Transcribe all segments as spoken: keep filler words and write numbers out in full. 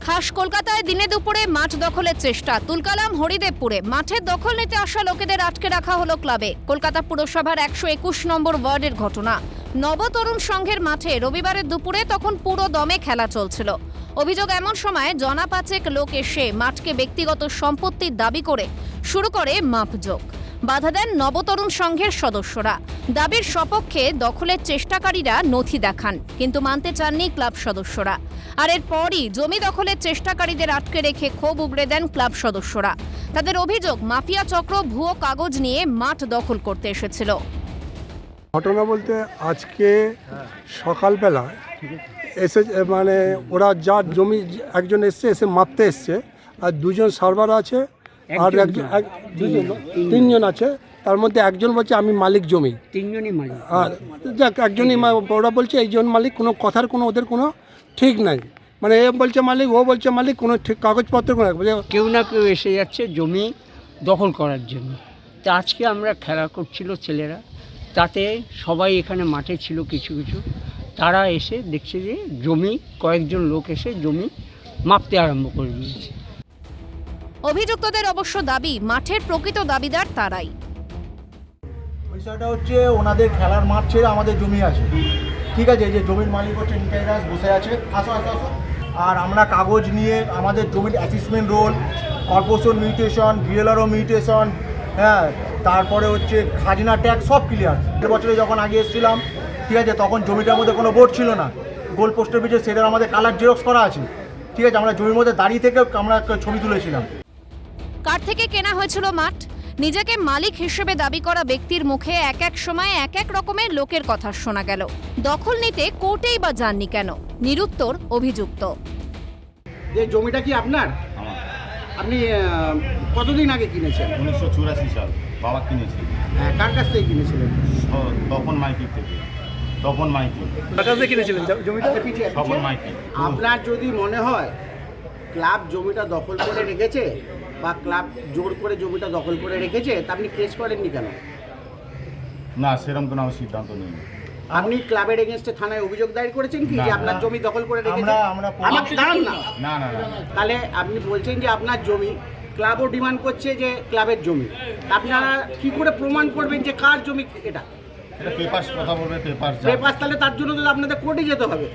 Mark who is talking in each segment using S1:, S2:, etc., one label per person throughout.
S1: খাস কলকাতায় দিনে দুপুরে মাঠ দখলের চেষ্টা। তুলকালাম হরিদেবপুরে মাঠের দখল নিতে আসা লোকেদের আটকে রাখা হলো ক্লাবে। কলকাতা পুরসভার একশো একুশ নম্বর ওয়ার্ডের ঘটনা। নবতরুণ সংঘের মাঠে রবিবারের দুপুরে তখন পুরো দমে খেলা চলছিল। অভিযোগ, এমন সময় জনা পাঁচেক লোক এসে মাঠকে ব্যক্তিগত সম্পত্তির দাবি করে শুরু করে মাপজোক। বাধা দেন নবতরুণ সংঘের সদস্যরা। দাবির সপক্ষে দখলের চেষ্টাকারীরা নথি দেখান, কিন্তু মানতে চাননি ক্লাব সদস্যরা। আর এরপরই জমি দখলের চেষ্টাকারীদের আটকে রেখে ক্ষোভ উগড়ে দেন ক্লাব সদস্যরা। তাদের অভিযোগ, মাফিয়া চক্র ভুয়ো কাগজ নিয়ে মাঠ দখল করতে এসেছিল।
S2: ঘটনা বলতে আজকে সকালবেলা এসে মানে ওরা যার জমি একজন এসছে এসে মাপতে এসছে, আর দুজন সার্ভার আছে আর একজন এক- দুজন তিনজন আছে। তার মধ্যে একজন বলছে আমি মালিক জমি,
S3: তিনজনই মালিক।
S2: আর যাক একজনই মা- ওরা বলছে এইজন মালিক, কোনো কথার কোনো ওদের কোনো ঠিক নাই। মানে এ বলছে মালিক, ও বলছে মালিক, কোনো ঠিক কাগজপত্র কোনো
S3: কেউ না কেউ এসে যাচ্ছে জমি দখল করার জন্য। তা আজকে আমরা খেলা করছিল ছেলেরা, তাতে সবাই এখানে মাঠে ছিল কিছু কিছু, তারা এসে দেখছে যে জমি কয়েকজন লোক এসে জমি মাপতে আরম্ভ করে দিয়েছে।
S1: অভিযুক্তদের অবশ্য দাবি, মাঠের প্রকৃত দাবিদার তারাই।
S4: বিষয়টা হচ্ছে ওনাদের খেলার মাঠ ছেড়ে আমাদের জমি আছে, ঠিক আছে, এই যে জমির মালিক হচ্ছে নিতাই দাস বসে আছে, আসো আসো আসো। আর আমরা কাগজ নিয়ে আমাদের জমির assessment roll, corporation mutation, BLRO mutation, হ্যাঁ, তারপরে হচ্ছে খাজনা ট্যাক্স সব ক্লিয়ার। দেড় বছরে যখন আগে এসেছিলাম, ঠিক আছে, তখন জমিটার মধ্যে কোনো বোর্ড ছিল না, গোল পোস্টের পিছিয়ে সেটার আমাদের কালার জেরক্স করা আছে, ঠিক আছে, আমরা জমির মধ্যে দাঁড়িয়ে থেকে আমরা ছবি তুলেছিলাম।
S1: কার থেকে কেনা হয়েছিল মাঠ? নিজেকে মালিক হিসেবে দাবি করা ব্যক্তির মুখে এক এক সময় এক এক রকমের লোকের কথা শোনা গেল। দখল নিতে কোর্টেই বা যাননি কেন? নিরুত্তর অভিযুক্ত।
S5: যে জমিটা কি আপনার?
S6: আমার
S5: আপনি আহ, কতদিন আগে কিনেছেন?
S6: উনিশশো চুরাশি সাল বাবা কিনেছিল,
S5: হ্যাঁ, কার কাছ থেকে কিনেছিলেন?
S6: স- তপন মাইতির থেকে। তপন মাইতি,
S5: পিছিয়ে,
S6: তপন
S5: পিছিয়ে।
S6: মাইতি।
S5: আপনার যদি মনে হয় ক্লাব জমিটা দখল করে রেখেছে বা ক্লাব জোর করে জমিটা দখল করে রেখেছে, তা আপনি কেস করেননি কেন?
S6: না, সেরকম কোনো আমার সিদ্ধান্ত নেই।
S5: আপনি ক্লাবের এগেনস্টে থানায় অভিযোগ দায়ের করেছেন কি যে
S6: না,
S5: আপনার
S6: না।
S5: জমি দখল করে রেখেছে?
S4: আমরা আমরা
S5: আমাকে দাঁড়ান না।
S6: না না না
S5: তাহলে আপনি বলছেন যে আপনার জমি, ক্লাবও ডিমান্ড করছে যে ক্লাবের জমি। তা আপনারা কি করে প্রমাণ করবেন যে কার জমি এটা?
S6: এটা পেপার কথা বলবে, পেপার
S5: পেপার, তাহলে তার জন্য তো আপনাদের কোর্টে যেতে হবে।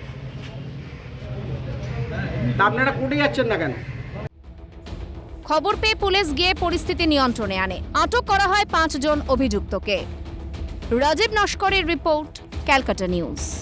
S5: তা আপনারা কোর্টে যাচ্ছেন না কেন?
S1: খবর পেয়ে পুলিশ গিয়ে পরিস্থিতি নিয়ন্ত্রণে আনে। আটক করা হয় পাঁচজন অভিযুক্তকে। রাজীব নস্করের রিপোর্ট, ক্যালকাটা নিউজ।